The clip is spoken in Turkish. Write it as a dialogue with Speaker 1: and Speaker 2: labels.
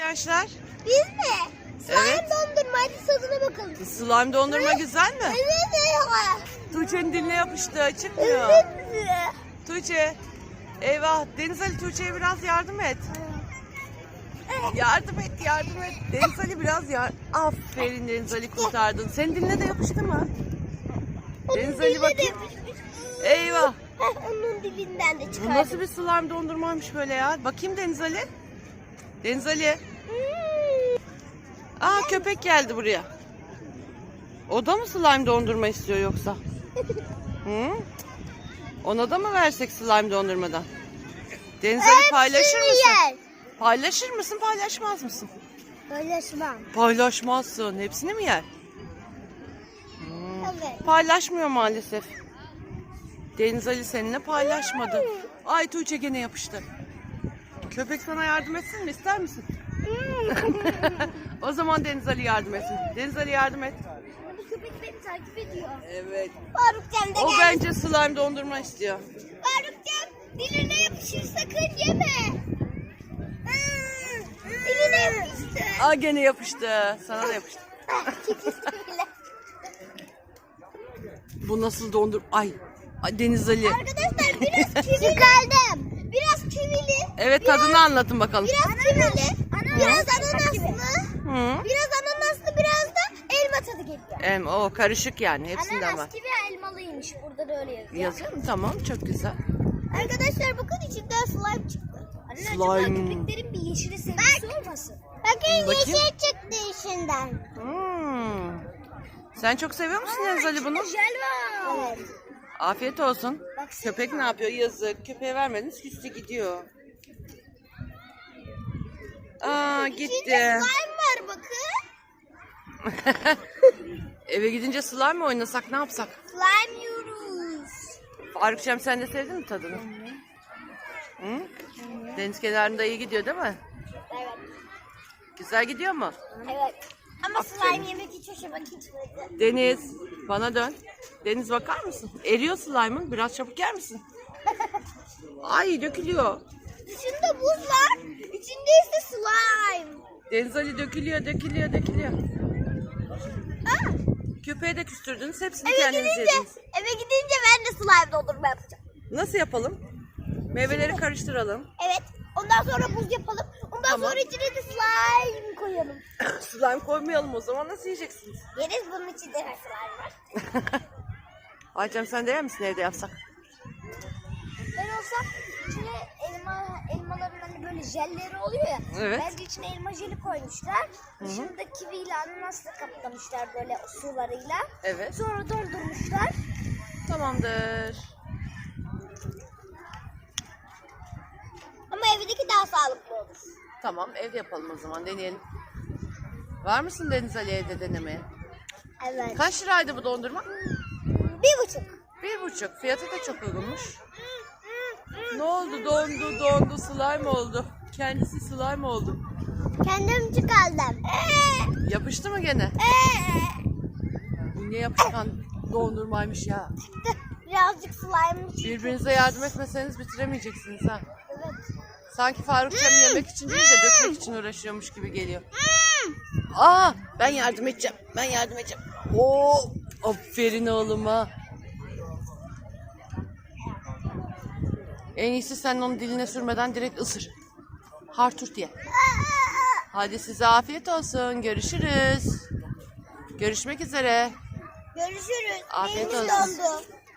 Speaker 1: arkadaşlar?
Speaker 2: Biz mi? Slime
Speaker 1: Evet.
Speaker 2: dondurma. Hadi tadına bakalım.
Speaker 1: Slime dondurma güzel mi?
Speaker 2: Evet.
Speaker 1: Tuğçe'nin diline yapıştı. Çıkmıyor.
Speaker 2: Evet.
Speaker 1: Tuğçe. Eyvah. Deniz Ali, Tuğçe'ye biraz yardım et. Yardım et, yardım et. Deniz Ali biraz Aferin Deniz Ali, kurtardın. Senin diline de yapıştı mı? Deniz Ali bakayım. Eyvah.
Speaker 2: Onun dilinden de
Speaker 1: Bu
Speaker 2: çıkardım.
Speaker 1: nasıl bir slime dondurmaymış böyle ya? Bakayım Deniz Ali. Deniz Ali. Aa, köpek geldi buraya. O da mı slime dondurma istiyor yoksa? Hı? Ona da mı versek slime dondurmadan? Deniz Ali, paylaşır mısın? Paylaşır mısın, paylaşmaz mısın?
Speaker 2: Paylaşmam.
Speaker 1: Paylaşmazsın. Hepsini mi yer?
Speaker 2: Evet.
Speaker 1: Paylaşmıyor maalesef. Deniz Ali seninle paylaşmadı. Ay, Tuğçe gene yapıştı. Köpek sana yardım etsin mi? İster misin? O zaman Deniz Ali yardım etsin. Deniz Ali, yardım et.
Speaker 2: Bu köpek beni takip ediyor.
Speaker 1: Evet.
Speaker 2: Farukcan da
Speaker 1: O
Speaker 2: geldi.
Speaker 1: bence slime dondurma istiyor.
Speaker 2: Farukcan diline yapışır, sakın yeme. Diline yapıştı.
Speaker 1: Aa, gene yapıştı. Sana da yapıştı. Bu nasıl dondur? Ay Deniz Ali.
Speaker 2: Arkadaşlar biraz kivili. Çıkardım. Biraz kivili.
Speaker 1: Evet, tadını anlatın bakalım.
Speaker 2: Biraz kivili. Biraz ananaslı.
Speaker 1: Hı.
Speaker 2: Biraz ananaslı, biraz da elma tadı geliyor.
Speaker 1: O karışık yani. Hepsinden var.
Speaker 2: Ananas kivi elmalıymış. Burada da öyle yazıyor.
Speaker 1: Yazık. Tamam, çok güzel.
Speaker 2: Arkadaşlar bakın, içinden slime çıktı. Anne,
Speaker 1: Slime.
Speaker 2: acaba köpeklerin bir yeşili sevgisi olmasın? Bakın,
Speaker 1: Bakayım.
Speaker 2: yeşil çıktı içinden.
Speaker 1: Hmm. Sen çok seviyor musun Deniz Ali bunu?
Speaker 2: Jel var. Evet.
Speaker 1: Afiyet olsun.
Speaker 2: Baksana.
Speaker 1: Köpek ne yapıyor? Yazık. Köpeğe vermediniz, küstü gidiyor. Aa,
Speaker 2: İçinde
Speaker 1: gitti.
Speaker 2: slime var bakın.
Speaker 1: Eve gidince slime mi oynasak, ne yapsak?
Speaker 2: Slime yiyoruz.
Speaker 1: Farukçam, sen de sevdin mi tadını? Hı? Deniz kenarında iyi gidiyor değil mi?
Speaker 2: Evet.
Speaker 1: Güzel gidiyor mu?
Speaker 2: Evet. Ama
Speaker 1: Aferin.
Speaker 2: slime yemek hiç hoşuma gitmedi.
Speaker 1: Deniz, bana dön. Deniz, bakar mısın? Eriyor slime'ın. Biraz çabuk yer misin? Ay, dökülüyor.
Speaker 2: Dışında buz var. İçinde ise slime.
Speaker 1: Deniz Ali, dökülüyor, dökülüyor, dökülüyor.
Speaker 2: Aa,
Speaker 1: Köpeğe de küstürdünüz. Hepsini
Speaker 2: eve
Speaker 1: kendiniz
Speaker 2: gidince,
Speaker 1: yediniz.
Speaker 2: ben de slime dondurma yapacağım.
Speaker 1: Nasıl yapalım? Meyveleri karıştıralım.
Speaker 2: Evet. Ondan sonra buz yapalım. Ondan
Speaker 1: Tamam.
Speaker 2: sonra içine de slime koyalım.
Speaker 1: Slime koymayalım o zaman. Nasıl yiyeceksiniz?
Speaker 2: Yeriz, bunun içinde de slime var.
Speaker 1: Aycem, sen de yer misin evde yapsak?
Speaker 2: Ben olsam içine elmaların hani böyle jelleri oluyor ya.
Speaker 1: Evet.
Speaker 2: Bence içine elma jeli koymuşlar. Dışında kiviyle ananasla kaplamışlar böyle sularıyla.
Speaker 1: Evet.
Speaker 2: Sonra doldurmuşlar.
Speaker 1: Tamamdır.
Speaker 2: Ama evdeki daha sağlıklı olur.
Speaker 1: Tamam, evde yapalım o zaman. Deneyelim. Var mısın Deniz Ali evde denemeye?
Speaker 2: Evet.
Speaker 1: Kaç liraydı bu dondurma?
Speaker 2: 1,5.
Speaker 1: 1,5. Fiyatı da çok uygunmuş. Ne oldu? Dondu. Slime oldu. Kendisi slime oldu.
Speaker 2: Kendim çıkardım.
Speaker 1: Yapıştı mı gene? Bu ne yapışkan dondurmaymış ya.
Speaker 2: Birazcık slime.
Speaker 1: Birbirinize yardım etmeseniz bitiremeyeceksiniz ha.
Speaker 2: Evet.
Speaker 1: Sanki Farukçam yemek için değil de dökmek için uğraşıyormuş gibi geliyor. Aa, ben yardım edeceğim. Oo, aferin oğluma. En iyisi sen onu diline sürmeden direkt ısır. Harturt diye. Hadi size afiyet olsun. Görüşürüz. Görüşmek üzere.
Speaker 2: Görüşürüz.
Speaker 1: Afiyet
Speaker 2: Neyimiz
Speaker 1: olsun.
Speaker 2: dondu.